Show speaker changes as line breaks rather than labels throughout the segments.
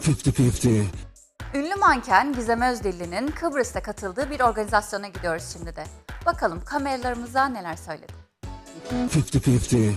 50-50.
Ünlü manken Gizem Özdilli'nin Kıbrıs'ta katıldığı bir organizasyona gidiyoruz şimdi de. Bakalım kameralarımıza neler söyledi.
50-50.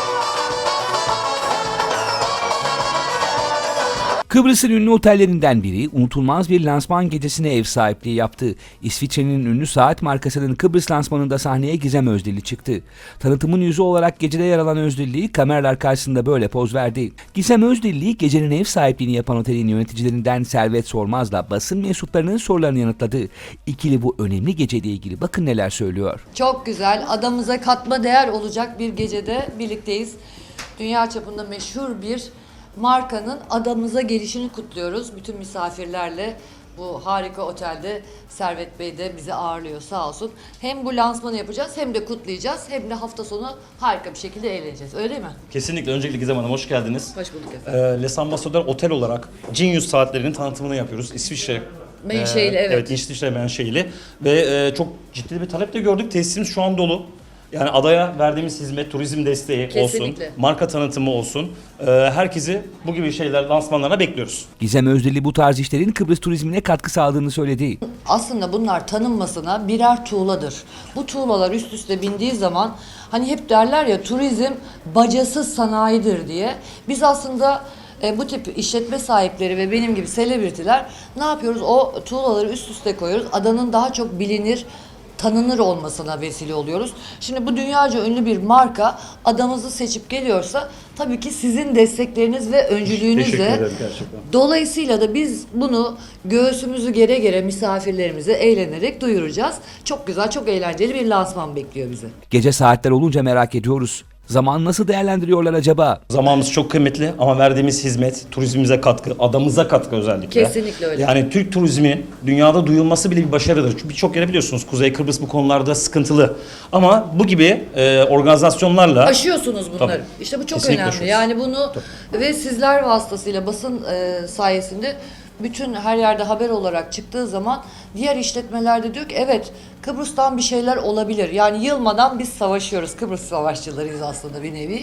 Kıbrıs'ın ünlü otellerinden biri unutulmaz bir lansman gecesine ev sahipliği yaptı. İsviçre'nin ünlü saat markasının Kıbrıs lansmanında sahneye Gizem Özdilli çıktı. Tanıtımın yüzü olarak gecede yer alan Özdilli kameralar karşısında böyle poz verdi. Gizem Özdilli gecenin ev sahipliğini yapan otelin yöneticilerinden Servet Sormaz'la basın mensuplarının sorularını yanıtladı. İkili bu önemli geceyle ilgili bakın neler söylüyor.
Çok güzel, adamıza katma değer olacak bir gecede birlikteyiz. Dünya çapında meşhur bir markanın adamıza gelişini kutluyoruz. Bütün misafirlerle bu harika otelde Servet Bey de bizi ağırlıyor sağ olsun. Hem bu lansmanı yapacağız hem de kutlayacağız hem de hafta sonu harika bir şekilde eğleneceğiz. Öyle değil mi?
Kesinlikle. Öncelikle Gizem Hanım hoş geldiniz.
Hoş bulduk efendim.
Les Ambassadeurs Otel olarak Genius saatlerinin tanıtımını yapıyoruz. İsviçre
Menşeili, evet.
Evet, İsviçre menşeili ve çok ciddi bir talep de gördük. Tesisimiz şu an dolu. Yani adaya verdiğimiz hizmet, turizm desteği
Kesinlikle.
olsun, marka tanıtımı olsun. Herkesi bu gibi şeyler, lansmanlarına bekliyoruz.
Gizem Özdilli bu tarz işlerin Kıbrıs turizmine katkı sağladığını söyledi.
Aslında bunlar tanınmasına birer tuğladır. Bu tuğlalar üst üste bindiği zaman hani hep derler ya turizm bacasız sanayidir diye. Biz aslında bu tip işletme sahipleri ve benim gibi selebritiler ne yapıyoruz? O tuğlaları üst üste koyuyoruz. Adanın daha çok bilinir, tanınır olmasına vesile oluyoruz. Şimdi bu dünyaca ünlü bir marka adamızı seçip geliyorsa tabii ki sizin destekleriniz ve
Teşekkür
öncülüğünüzle.
ederim gerçekten.
Dolayısıyla da biz bunu göğsümüzü gere gere misafirlerimize eğlenerek duyuracağız. Çok güzel, çok eğlenceli bir lansman bekliyor bizi.
Gece saatler olunca merak ediyoruz. Zamanı nasıl değerlendiriyorlar acaba?
Zamanımız çok kıymetli ama verdiğimiz hizmet, turizmimize katkı, adamıza katkı özellikle.
Kesinlikle öyle.
Yani Türk turizminin dünyada duyulması bile bir başarıdır. Çünkü birçok yere biliyorsunuz Kuzey Kıbrıs bu konularda sıkıntılı. Ama bu gibi organizasyonlarla...
Aşıyorsunuz bunları.
Tabii.
İşte bu çok
Kesinlikle
önemli.
aşıyoruz.
Yani bunu ve sizler vasıtasıyla basın sayesinde bütün her yerde haber olarak çıktığı zaman diğer işletmelerde diyor ki evet Kıbrıs'tan bir şeyler olabilir. Yani yılmadan biz savaşıyoruz. Kıbrıs savaşçılarıyız aslında bir nevi.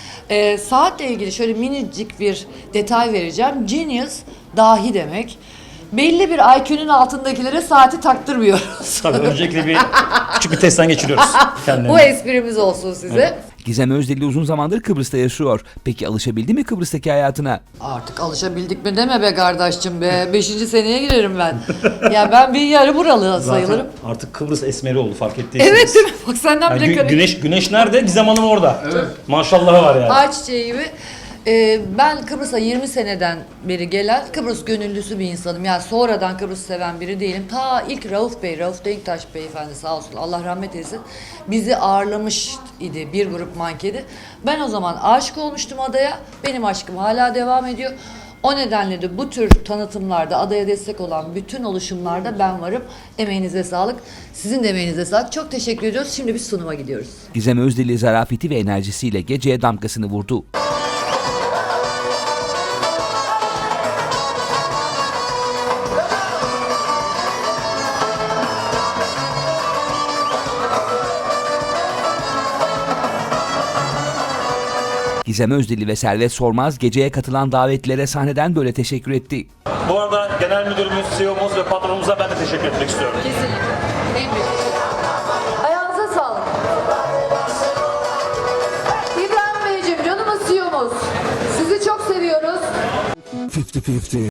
Saatle ilgili şöyle minicik bir detay vereceğim. Genius dahi demek. Belli bir IQ'nun altındakilere saati taktırmıyoruz.
Tabii öncelikle küçük bir testten geçiriyoruz kendilerini.
Bu esprimiz olsun size.
Evet.
Gizem Özdilli uzun zamandır Kıbrıs'ta yaşıyor. Peki alışabildi mi Kıbrıs'taki hayatına?
Artık alışabildik mi deme be kardeşim be. 5. seneye girerim ben. Ya ben bir yarı buralı sayılırım.
Zaten artık Kıbrıs esmeri oldu fark ettiyseniz.
Evet değil mi? Bak senden
Yani
bile
güneş nerede? Gizem Hanım orada. Evet. Maşallahı var yani.
Ağaç çiçeği gibi. Ben Kıbrıs'a 20 seneden beri gelen Kıbrıs gönüllüsü bir insanım. Yani sonradan Kıbrıs seven biri değilim. Ta ilk Rauf Denktaş beyefendi sağ olsun Allah rahmet eylesin bizi ağırlamış idi bir grup mankeni. Ben o zaman aşık olmuştum adaya. Benim aşkım hala devam ediyor. O nedenle de bu tür tanıtımlarda adaya destek olan bütün oluşumlarda ben varım. Emeğinize sağlık. Sizin de emeğinize sağlık. Çok teşekkür ediyoruz. Şimdi biz sunuma gidiyoruz.
Gizem Özdilli zarafeti ve enerjisiyle geceye damgasını vurdu. Gizem Özdilli ve Servet Sormaz geceye katılan davetlilere sahneden böyle teşekkür etti.
Bu arada genel müdürümüz, CEO'muz ve patronumuza ben de teşekkür etmek istiyorum.
Kesinlikle. En büyük. Ayağınıza sağlık. İbrahim Beyciğim, canımız CEO'muz. Sizi çok seviyoruz.
50-50.